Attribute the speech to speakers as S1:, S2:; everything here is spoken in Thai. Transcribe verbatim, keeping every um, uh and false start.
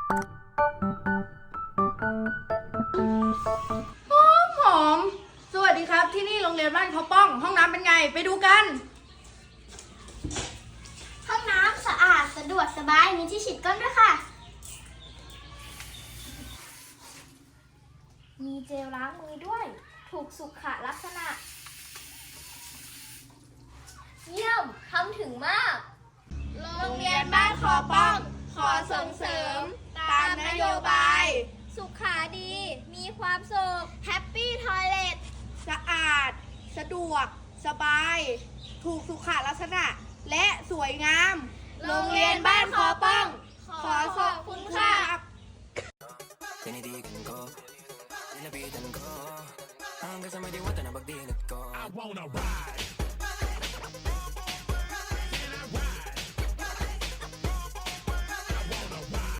S1: หอมหอมสวัสดีครับที่นี่โรงเรียนบ้านเขาป้องห้องน้ำเป็นไงไปดูกัน
S2: ห้องน้ำสะอาดสะดวกสบายมีที่ฉีดก้นด้วยค่ะมีเจลล้างมือด้วยถูกสุขลักษณะเยี่ยมทำถึงมาก
S1: โรงเรียนบ้านขอป้องขอส่งเสริมตามนโยบาย
S2: สุขาดี มีความสุขแฮปปี้ทอยเลท
S1: สะอาดสะดวกสบาย ถูกสุขลักษณะและสวยงามโรงเรียนบ้านขอป้องขอขอบคุณค่ะ
S3: I wanna ride